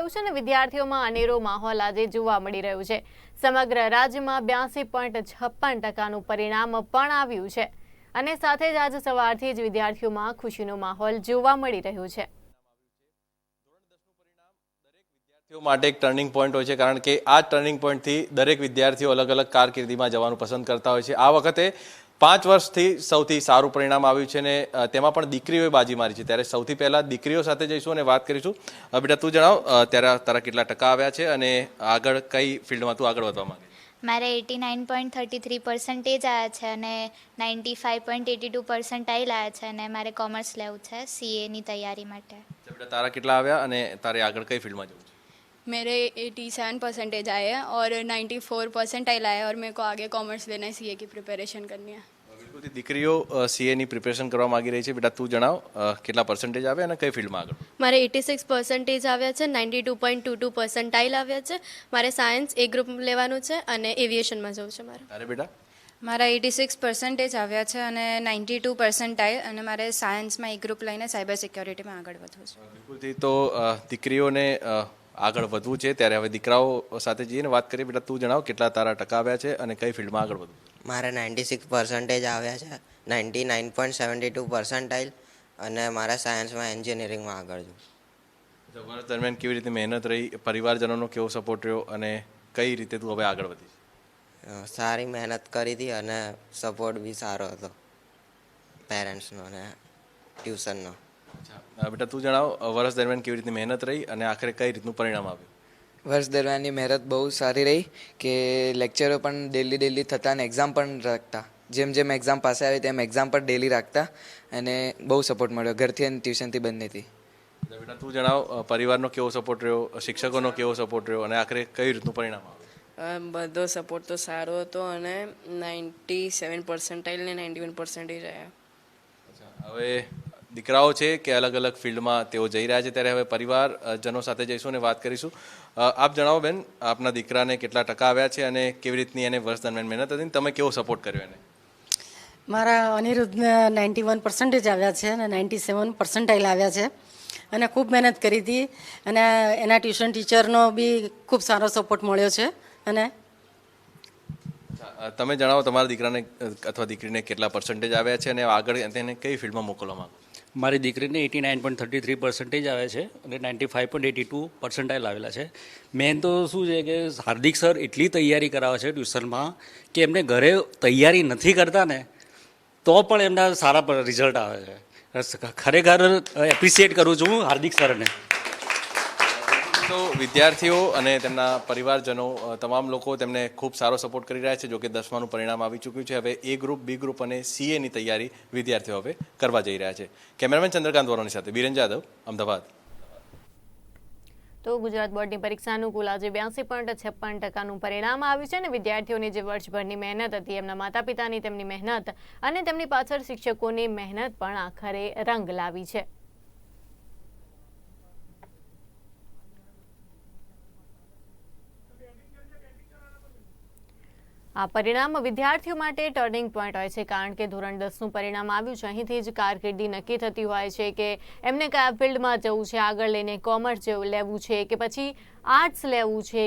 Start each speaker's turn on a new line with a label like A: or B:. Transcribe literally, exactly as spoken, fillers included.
A: આવ્યું છે અને વિદ્યાર્થીઓમાં અનેરો માહોલ આજે જોવા મળી રહ્યો છે। સમગ્ર રાજ્યમાં બ્યાસી પોઈન્ટ છપ્પન ટકાનું પરિણામ પણ આવ્યું છે અને સાથે જ આજ સવારથી જ વિદ્યાર્થીઓમાં ખુશીનો માહોલ જોવા મળી રહ્યો છે।
B: માટે એક ટર્નિંગ પોઈન્ટ હોય છે કારણ કે આ ટર્નિંગ પોઈન્ટથી દરેક વિદ્યાર્થીઓ અલગ અલગ કારકિર્દીમાં જવાનું પસંદ કરતા હોય છે। આ વખતે પાંચ વર્ષથી સૌથી સારું પરિણામ આવ્યું છે ને તેમાં પણ દીકરીઓએ બાજી મારી છે। ત્યારે સૌથી પહેલા દીકરીઓ સાથે જઈશું અને વાત કરીશું। બેટા તું જણાવ ત્યારે તારા કેટલા ટકા આવ્યા છે અને આગળ કઈ ફિલ્ડમાં તું આગળ વધવા માંગે?
C: મારે eighty nine point thirty three percentage આવ્યા છે અને ninety five point eighty two percentile આવ્યા છે અને મારે કોમર્સ લેવું છે સીએની તૈયારી માટે।
B: બેટા તારા કેટલા આવ્યા અને તારે આગળ કઈ ફિલ્ડમાં જવું છે?
D: मेरे एटी सेवन परसेंटेज आए हैं और नाइन्टी फोर परसेंटाइल आए हैं और मेरे को आगे कॉमर्स लेना है, सीए की प्रिपरेशन करनी है।
B: બિલકુલ દીકરીઓ સીએની પ્રિપેરેશન કરવા માંગી રહી છે। બેટા તું જણાવ કેટલા પર્સન્ટેજ આવ્યા અને કઈ ફિલ્ડમાં આગળ?
E: મારે એટી સિક્સ પર્સન્ટેજ આવ્યા છે, ninety two point two two percentile આવ્યા છે। મારે સાયન્સ એ ગ્રુપ લેવાનું છે અને એવિએશનમાં જવું છે મારે।
B: અરે બેટા
F: મારા એટી સિક્સ પર્સન્ટેજ આવ્યા છે અને નાઇન્ટી ટુ પર્સન્ટાઇલ અને મારે સાયન્સમાં એ ગ્રુપ લઈને સાયબર સિક્યોરિટીમાં આગળ વધવું છે।
B: બિલકુલથી તો દીકરીઓને આગળ વધવું છે ત્યારે હવે દીકરાઓ સાથે જઈને વાત કરીએ। બેટા તું જણાવ કેટલા તારા ટકા આવ્યા છે અને કઈ ફિલ્ડમાં આગળ વધવું?
G: મારે નાઇન્ટી સિક્સ પર્સન્ટેજ આવ્યા છે, ninety nine point seventy two percentile અને મારા સાયન્સમાં એન્જિનિયરિંગમાં આગળ છું।
B: વર્ષ દરમિયાન કેવી રીતે મહેનત રહી, પરિવારજનોનો કેવો સપોર્ટ રહ્યો અને કઈ રીતે તું હવે આગળ વધી?
G: સારી મહેનત કરી હતી અને સપોર્ટ બી સારો હતો પેરેન્ટ્સનો અને ટ્યુશનનો।
B: બેટા તું જણાવ વર્ષ દરમિયાન કેવી રીતે મહેનત રહી અને આખરે કઈ રીતનું પરિણામ આવ્યું?
H: વર્ષ દરમિયાનની મહેનત બહુ સારી રહી કે લેક્ચરો પણ ડેલી ડેલી થતા અને એક્ઝામ પણ રાખતા। જેમ જેમ એક્ઝામ પાસે આવી તેમ એક્ઝામ પણ ડેલી રાખતા અને બહુ સપોર્ટ મળ્યો ઘરથી અને ટ્યુશનથી બંનેથી।
B: બેટા તું જણાવ પરિવારનો કેવો સપોર્ટ રહ્યો, શિક્ષકોનો કેવો સપોર્ટ રહ્યો અને આખરે કઈ રીતનું પરિણામ આવ્યું?
I: બધો સપોર્ટ તો સારો હતો અને નાઇન્ટી સેવન પર્સન્ટાઇલ ને નાઇન્ટી વન પર્સન્ટેજ આવ્યા।
B: હવે દીકરાઓ છે કે અલગ અલગ ફિલ્ડમાં તેઓ જઈ રહ્યા છે ત્યારે હવે પરિવારજનો સાથે જઈશું અને વાત કરીશું। આપ જણાવો બેન, આપના દીકરાને કેટલા ટકા આવ્યા છે અને કેવી રીતની એને વર્ષ દરમિયાન મહેનત હતી, તમે કેવો સપોર્ટ કર્યો એને?
J: મારા અનિરુદ્ધને નાઇન્ટી વન પર્સન્ટેજ આવ્યા છે અને નાઇન્ટી સેવન પર્સન્ટાઇલ આવ્યા છે અને ખૂબ મહેનત કરી હતી અને એના ટ્યુશન ટીચરનો બી ખૂબ સારો સપોર્ટ મળ્યો છે। અને
B: તમે જણાવો તમારા દીકરાને અથવા દીકરીને કેટલા પર્સન્ટેજ આવ્યા છે અને આગળ તેને કઈ ફિલ્ડમાં મોકલવા માંગો?
K: મારી દીકરીને eighty nine point thirty three percentage આવે છે અને ninety five point eighty two percentile આવેલા છે। મેન તો શું છે કે હાર્દિક સર એટલી તૈયારી કરાવે છે ટ્યુશનમાં કે એમને ઘરે તૈયારી નથી કરતા ને તો પણ એમના સારા રિઝલ્ટ આવે છે। ખરેખર એપ્રિશિએટ કરું છું હું હાર્દિક સરને।
B: તો વિદ્યાર્થીઓ અને તેમના પરિવારજનો તમામ લોકો તેમને ખૂબ સારો સપોર્ટ કરી રહ્યા છે। જો કે દસમાનું પરિણામ આવી ચૂક્યું છે, હવે એ ગ્રુપ, બી ગ્રુપ અને સીએની તૈયારી વિદ્યાર્થીઓ હવે કરવા જઈ રહ્યા છે। કેમેરામેન ચંદ્રકાંત વોરાની સાથે બીરેન જાદવ, અમદાવાદ।
A: તો ગુજરાત બોર્ડની પરીક્ષાનું કુલ આજે બ્યાસી પોઈન્ટ છપ્પન ટકાનું પરિણામ આવ્યું છે અને વિદ્યાર્થીઓની જે વર્ષભરની મહેનત હતી, એમના માતા પિતાની તેમની મહેનત અને તેમની પાછળ શિક્ષકોની મહેનત પણ આખરે રંગ લાવી છે। આ પરિણામ વિદ્યાર્થીઓ માટે ટર્નિંગ પોઈન્ટ હોય છે કારણ કે ધોરણ દસનું પરિણામ આવ્યું છે, અહીંથી જ કારકિર્દી નક્કી થતી હોય છે કે એમને કયા ફિલ્ડમાં જવું છે, આગળ લઈને કોમર્સ લેવું છે કે પછી આર્ટ્સ લેવું છે